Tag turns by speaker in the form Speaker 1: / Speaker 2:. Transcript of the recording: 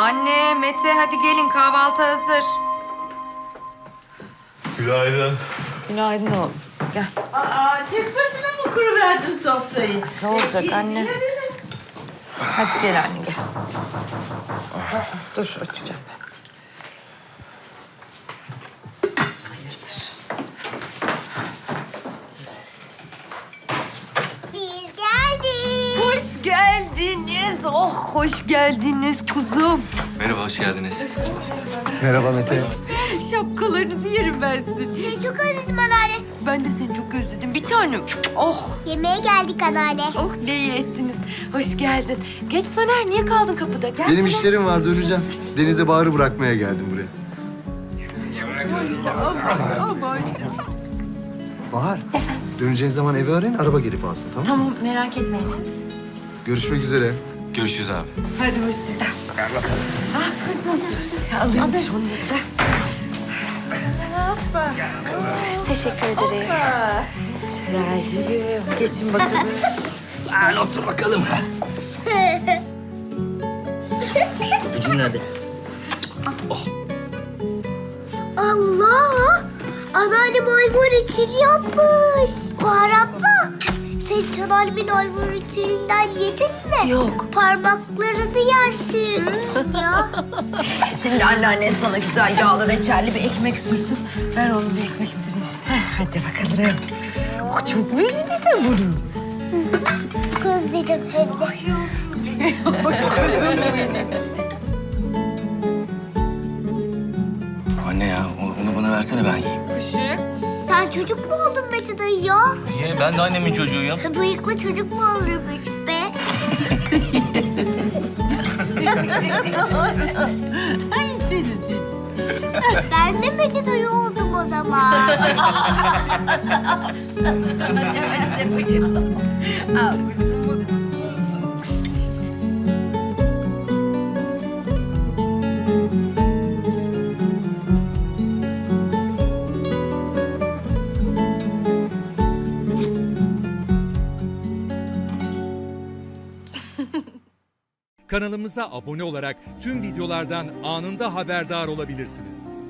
Speaker 1: Anne, Mete hadi gelin kahvaltı hazır.
Speaker 2: Günaydın.
Speaker 1: Günaydın oğlum. Gel.
Speaker 3: Tek başına mı kuruverdin sofrayı?
Speaker 1: Ne olacak anne?
Speaker 3: Yine beni.
Speaker 1: Hadi gel anne gel. Dur açacağım ben. Hayırdır?
Speaker 4: Biz geldik.
Speaker 1: Hoş geldiniz. Oh hoş geldiniz kuzum.
Speaker 2: Merhaba, hoş geldiniz.
Speaker 5: Merhaba Mete.
Speaker 1: Şapkalarınızı yerim ben sizin.
Speaker 4: Seni çok özledim anneanne.
Speaker 1: Ben de seni çok özledim bir tanem. Oh.
Speaker 4: Yemeğe geldik anneanne.
Speaker 1: Oh ne iyi ettiniz. Hoş geldin. Geç Soner niye kaldın kapıda? Gel
Speaker 5: Benim
Speaker 1: Soner.
Speaker 5: işlerim var, döneceğim. Deniz'e Bahar'ı bırakmaya geldim buraya. Bahar, döneceğin zaman evi arayın, araba gelip alsın, tamam mı?
Speaker 6: Tamam, merak etmeyin siz.
Speaker 5: Görüşmek üzere.
Speaker 2: Görüşürüz abi.
Speaker 1: Hadi hoşça kal. Gel bakalım. Ah kızım. Alayım şunları da.
Speaker 6: Teşekkür ederim.
Speaker 1: Rica ederim. Geçin bakalım.
Speaker 7: Al otur bakalım. Gücün nerede?
Speaker 4: Allah! Anneannem ayvar içini yapmış. Bahar abla, sen hiç anneannemin ayvar içinden yedin mi?
Speaker 1: Yok.
Speaker 4: Parmaklarını yersin. Ya.
Speaker 1: Şimdi anneannen sana güzel yağlı reçelli bir ekmek sürsün. Ver oğlum bir ekmek süreyim. Hadi bakalım. Oh, çok mu özledin sen bunu?
Speaker 4: Özledim hem de.
Speaker 7: Anne ya, onu bana versene ben yiyeyim.
Speaker 4: Sen çocuk mu oldun Mete dayı ya?
Speaker 7: Niye? Ben de annemin çocuğuyum.
Speaker 4: Bıyıklı çocuk mu olurmuş be?
Speaker 3: Ay seni.
Speaker 4: Ben de Mete dayı oldum o zaman.
Speaker 8: Kanalımıza abone olarak tüm videolardan anında haberdar olabilirsiniz.